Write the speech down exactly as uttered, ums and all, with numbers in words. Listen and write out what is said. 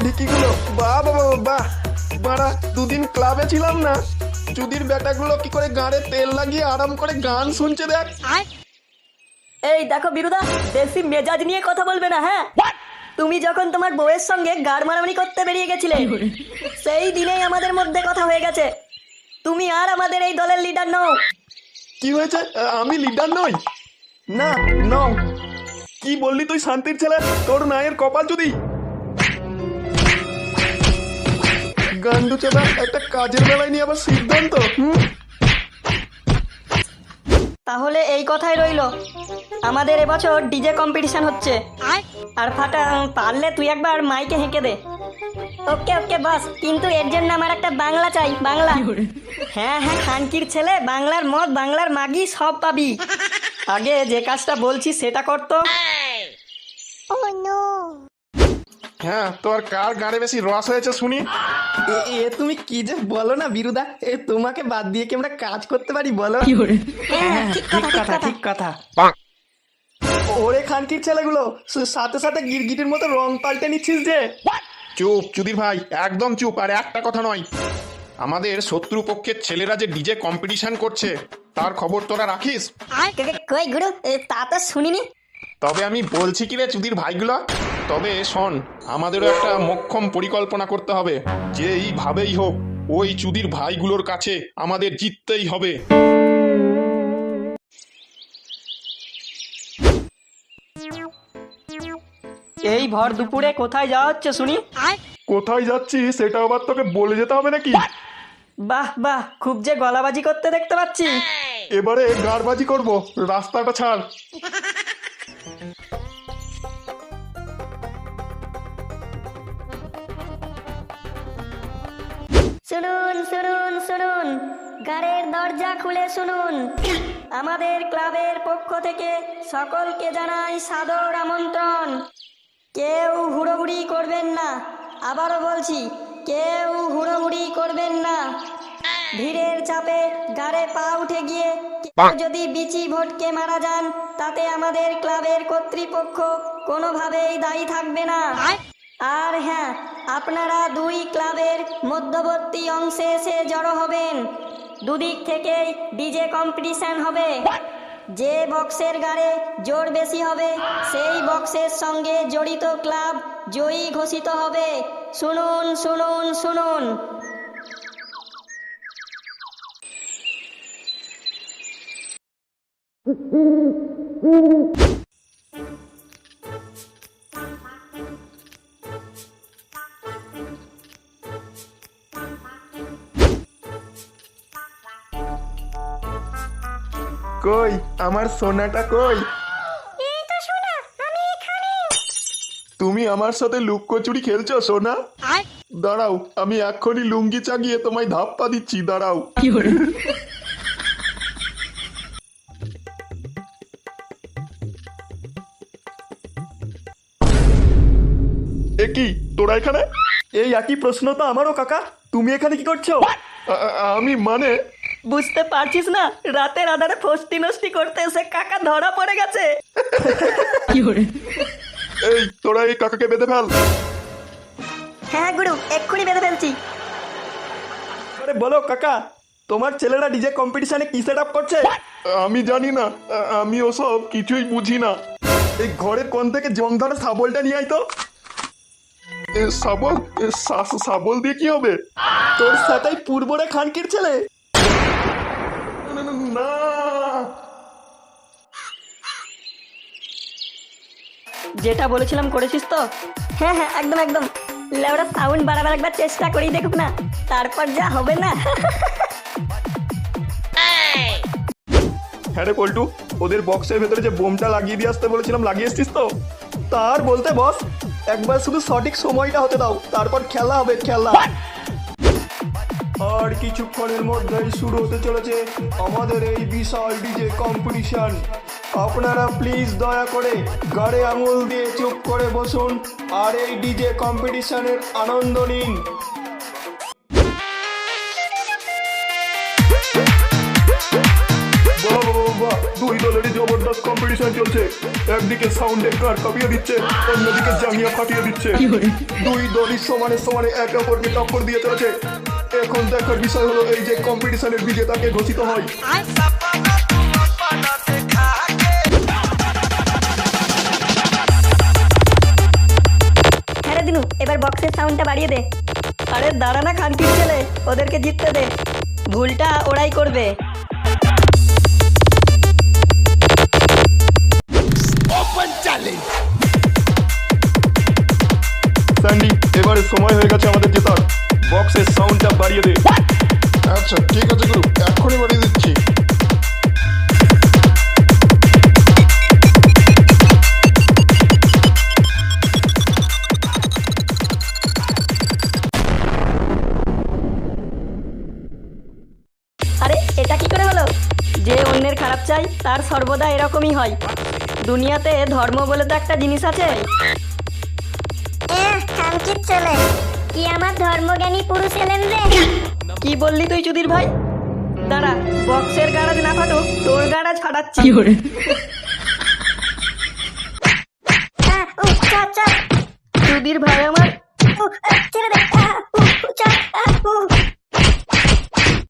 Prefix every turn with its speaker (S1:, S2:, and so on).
S1: ঢিকিগুলো বাহ বাবা বাহ বাড়া, দুদিন ক্লাবে ছিলাম না, চুদির বেটাগুলো কি করে গাড়ে তেল লাগিয়ে আরাম করে গান শুনছে দেখ।
S2: এই দেখো বিরুদা, বেশি মেজাজ নিয়ে কথা বলবে না। হ্যাঁ, তুমি যখন তোমার বউয়ের সঙ্গে গাড় মারামারি করতে বেরিয়ে গেছিলে, সেই দিনেই আমাদের মধ্যে কথা হয়ে গেছে। তুমি আর আমাদের এই দলের লিডার নও।
S1: কি হয়েছে? আমি লিডার নই? না নও। কি বললি তুই শান্তির ছেলে? তোর নায়ের কপাল যদি গান্ডু চেদা, একটা কাজের বেলায় নিয়ে আবার সিদ্ধান্ত। হুম,
S2: তাহলে এই কথাই রইলো, আমাদের এবছর ডিজে কম্পিটিশন হচ্ছে। আর ফাটা, পারলে তুই একবার মাইকে হেঁকে দে। ওকে ওকে বস, কিন্তু এর জন্য আমার একটা বাংলা চাই, বাংলা। হ্যাঁ হ্যাঁ, খানকির ছেলে, বাংলার মদ, বাংলার মাগি সব পাবি। আগে যে কাজটা বলছি সেটা করতো।
S1: হ্যাঁ, তোর কার গাড়ে বেশি রস হয়েছে শুনি।
S3: এ- এ তুমি কি যে বলো না বিরুদা, এ তোমাকে বাদ দিয়ে কি আমরা কাজ করতে পারি বলো?
S2: হ্যাঁ, ঠিক
S3: ঠিক
S2: কথা,
S3: কথা ঠিক কথা। ওরে খানকির ছেলেগুলো, স- সাথে সাথে গিরগিটির মতো রং পাল্টে নিচ্ছিস যে।
S1: চুপ চুদির ভাই, একদম চুপ। আর একটা কথা নয়, আমাদের শত্রু পক্ষের ছেলেরা যে ডিজে কম্পিটিশন করছে তার খবর তোরা রাখিস?
S2: কই গুরু, তা তো শুনিনি।
S1: তবে আমি বলছি কি রে চুদির ভাইগুলো, তবে শোন, আমাদেরও একটা মোক্ষম পরিকল্পনা করতে হবে, যে এইভাবেই হোক ওই চুদির ভাইগুলোর কাছে আমাদের জিততেই হবে।
S2: এই ভর দুপুরে কোথায় যাওয়া হচ্ছে শুনি?
S1: কোথায় যাচ্ছি সেটা আবার তোকে বলে যেতে হবে নাকি?
S2: বাহ বাহ, খুব যে গলাবাজি করতে দেখতে পাচ্ছি।
S1: এবারে গাড়বাজি করব, রাস্তাটা ছাড়।
S2: শুনুন শুনুন শুনুন, গাড়ির দরজা খুলে শুনুন। আমাদের ক্লাবের পক্ষ থেকে সকলকে জানাই সাদর আমন্ত্রণ। কেউ হুড়োহুড়ি করবেন না, আবারও বলছি, কেউ হুড়োহুড়ি করবেন না। ভিড়ের চাপে গাড়ে পা উঠে গিয়ে কেউ যদি বিচি ভটকে মারা যান, তাতে আমাদের ক্লাবের কর্তৃপক্ষ কোনোভাবেই দায়ী থাকবে না। আর হ্যাঁ, আপনারা দুই ক্লাবের মধ্যবর্তী অংশে এসে জড়ো হবেন। দুদিক থেকেই ডিজে কম্পিটিশন হবে। যে বক্সের গাড়ে জোর বেশি হবে সেই বক্সের সঙ্গে জড়িত ক্লাব জয়ী ঘোষিত হবে। শুনুন শুনুন শুনুন।
S1: কই আমার সোনাটা কই? তুমি আমার সাথে লুকোচুরি খেলছো সোনা? দাঁড়াও, আমি এক্ষুনি লুঙ্গি চাগিয়ে তোমায় ধাপ্পা দিচ্ছি, দাঁড়াও। এ কি, তোরা এখানে?
S3: এই একই প্রশ্ন তো আমারও কাকা, তুমি এখানে কি করছো?
S1: আ- আ- আমি মানে
S2: বুঝতে পারছিস না, রাতের আধারে ফষ্টি নষ্টি করতে এসে কাকা ধরা পড়ে গেছে।
S1: এই তোরা এই কাকাকে বেঁধে ফেল।
S2: হ্যাঁ গুরু, এক্ষুনি বেঁধে ফেলছি।
S3: আরে বলো কাকা, তোমার ছেলেরা ডিজে কম্পিটিশনে কি সেট আপ করছে?
S1: আমি জানি না, আ- আমি ওসব কিছুই বুঝি না। এই ঘরের কোণ থেকে জং ধরে শাবলটা নিয়ে আয় তো। এ, শাবল? এ, শা- শাবল দিয়ে কি হবে?
S3: তোর সাথে পূর্বরে খানকির ছেলে।
S1: না,
S2: যেটা বলেছিলাম করেছিস তো? হ্যাঁ হ্যাঁ, একদম একদম। লেওরা সাউন্ড বাড়াবার একবার চেষ্টা করেই দেখুক না, তারপর যা হবে না।
S1: হ্যাঁ রে পল্টু, ওদের বক্সের ভেতরে যে বোমটা লাগিয়ে দিয়ে আসতে বলেছিলাম, লাগিয়ে এসছিস তো?
S3: তার বলতে বস, একবার শুধু সঠিক সময়টা হতে দাও, তারপর খেলা হবে খেলা। আর কিছুক্ষণের মধ্যেই শুরু হতে চলেছে আমাদের এই বিশাল ডিজে কম্পিটিশন। আপনারা প্লিজ দয়া করে গাড়ে আঙুল দিয়ে চুপ করে বসুন আর এই ডিজে কম্পিটিশনের আনন্দ নিন। বাহ বাহ বাহ দুই দলেরই জবরদস্ত কম্পিটিশন চলছে। একদিকে সাউন্ডের গান কাঁপিয়ে দিচ্ছে, অন্যদিকে জাঙ্গিয়া ফাটিয়ে দিচ্ছে। দুই দলই সমানে সমানে একে অপরকে টক্কর দিয়ে চলেছে। এখন দেখার বিষয় হলো এই যে কম্পিটিশনের বিজেতাকে ঘোষিত হয়।
S2: হ্যাঁ রে দিনু, এবার বক্সের সাউন্ডটা বাড়িয়ে দে। আরে দাঁড়া না খানকির ছেলে, ওদেরকে জিততে দে, ভুলটা ওরাই করবে।
S3: স্যান্ডি, এবারে সময় হয়ে গেছে আমাদের জেতার। বক্সের সাউন্ডটা বাড়িয়ে দে।
S1: আচ্ছা ঠিক আছে গুরু, এক্ষুনি বাড়িয়ে দিচ্ছি।
S2: আরে এটা কি করে হলো? যে অন্যের খারাপ চাই তার সর্বদা এরকমই হয়। দুনিয়াতে ধর্ম বলে তো একটা জিনিস আছে।
S4: খানকির চলে কি আমার ধর্মজ্ঞানী পুরুষ এলেন রে?
S2: কি বললি তুই চুদির ভাই? দাঁড়া, বক্সের গাড়াজ না ফাটুক, তোর গাড়াজ ফাটাচ্ছি।